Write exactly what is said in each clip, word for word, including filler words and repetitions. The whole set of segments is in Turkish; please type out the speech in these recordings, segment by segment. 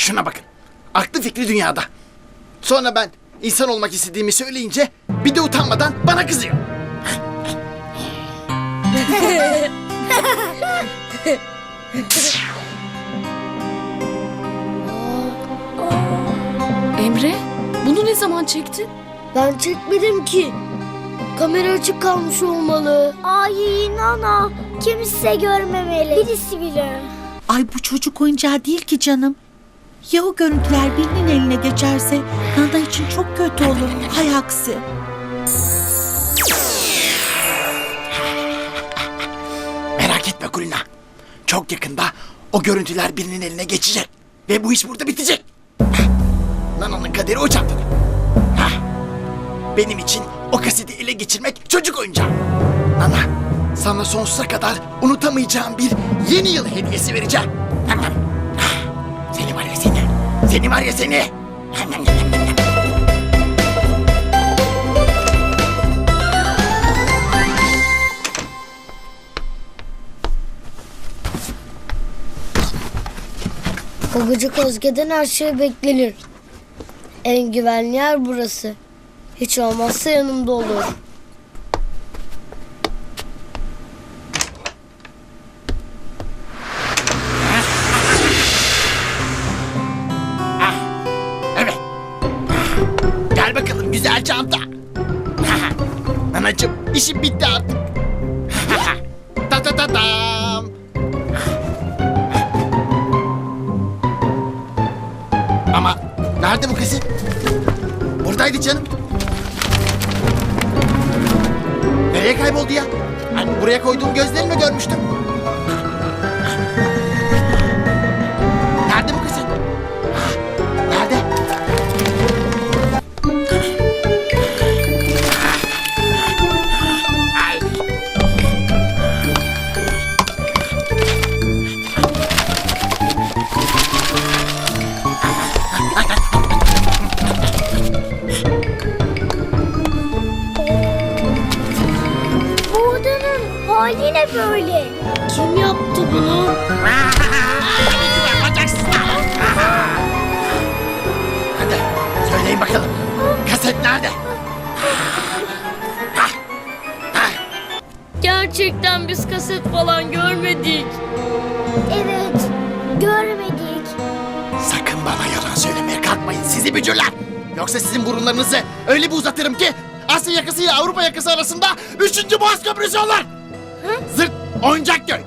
Şuna bakın. Aklı fikri dünyada. Sonra ben insan olmak istediğimi söyleyince bir de utanmadan bana kızıyor. Emre, bunu ne zaman çektin? Ben çekmedim ki. Kamera açık kalmış olmalı. Ay Nana, kimse görmemeli. Birisi bile. Ay bu çocuk oyuncağı değil ki canım. Ya o görüntüler birinin eline geçerse Nana için çok kötü olur. Hay aksi. Merak etme Kulina. Çok yakında o görüntüler birinin eline geçecek. Ve bu iş burada bitecek. Hah, Nana'nın kaderi o çantada. Hah, benim için o kaseti ele geçirmek çocuk oyuncağı. Nana, sana sonsuza kadar unutamayacağım bir yeni yıl hediyesi vereceğim. Hah, Seni var ya seni. Seni var ya seni. O gıcık Özge'den her şey beklenir. En güvenli yer burası. Hiç olmazsa yanımda olur. Evet. Gel bakalım güzel çanta. Anacığım işim bitti artık. Ta ta ta tam. Ama nerede bu kızın? Buradaydı canım. Nereye kayboldu ya? Hani buraya koyduğum gözlerimle görmüştüm. Nerede bu kızın? Nerede? Ay. Bu odanın hali ne böyle? Kim yaptı bunu? Hadi söyleyin bakalım. Kaset nerede? Gerçekten biz kaset falan görmedik. Evet, görmedik. Sakın bana yalan söylemeye kalkmayın sizi bücürler. Yoksa sizin burunlarınızı öyle bir uzatırım ki Asya yakası ile Avrupa yakası arasında üçüncü Boğaz Köprüsü olur. Zırt oyuncak göy.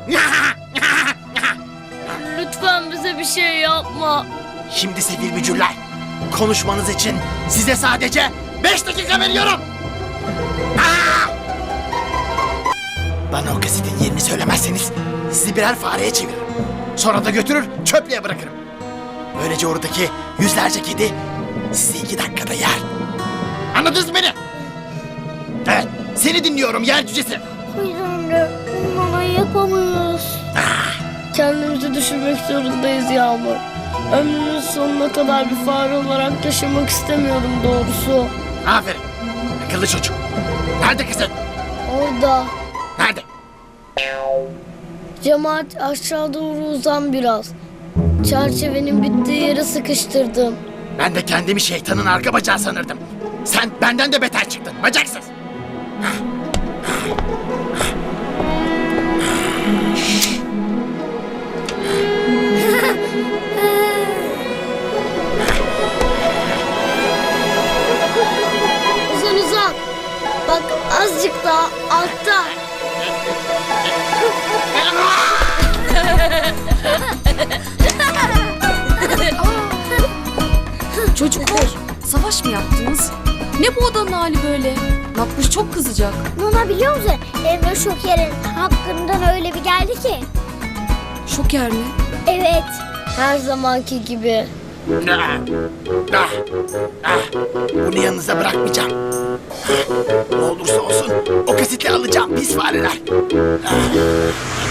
Lütfen bize bir şey yapma. Şimdi sevgili bücürler, konuşmanız için size sadece beş dakika veriyorum. Aa! Bana o kasetin yerini söylemezseniz sizi birer fareye çeviririm. Sonra da götürür çöplüğe bırakırım. Böylece oradaki yüzlerce kedi sizi iki dakikada yer. Anladınız mı beni? Evet, seni dinliyorum yer cücesi. Hayır anne, Nana yapamıyoruz. Kendimizi düşürmek zorundayız Yağmur. Ömrümün sonuna kadar bir fare olarak yaşamak istemiyorum doğrusu. Aferin, akıllı çocuk. Nerede kaset? Orada. Nerede? Cemaat aşağı doğru uzan biraz. Çerçevenin bittiği yere sıkıştırdım. Ben de kendimi şeytanın arka bacağı sanırdım. Sen benden de beter çıktın, bacaksız. Uzan uzan. Bak azıcık daha altta. Çocuklar, savaş mı yaptınız? Ne bu odanın hali böyle? Makbuş çok kızacak. Nana biliyor musun? Emre Şoker'in hakkından öyle bir geldi ki. Şoker mi? Evet. Her zamanki gibi. Ah, ah, ah. Bunu yanınıza bırakmayacağım. Ah, ne olursa olsun o kaseti alacağım pis fareler. Ah.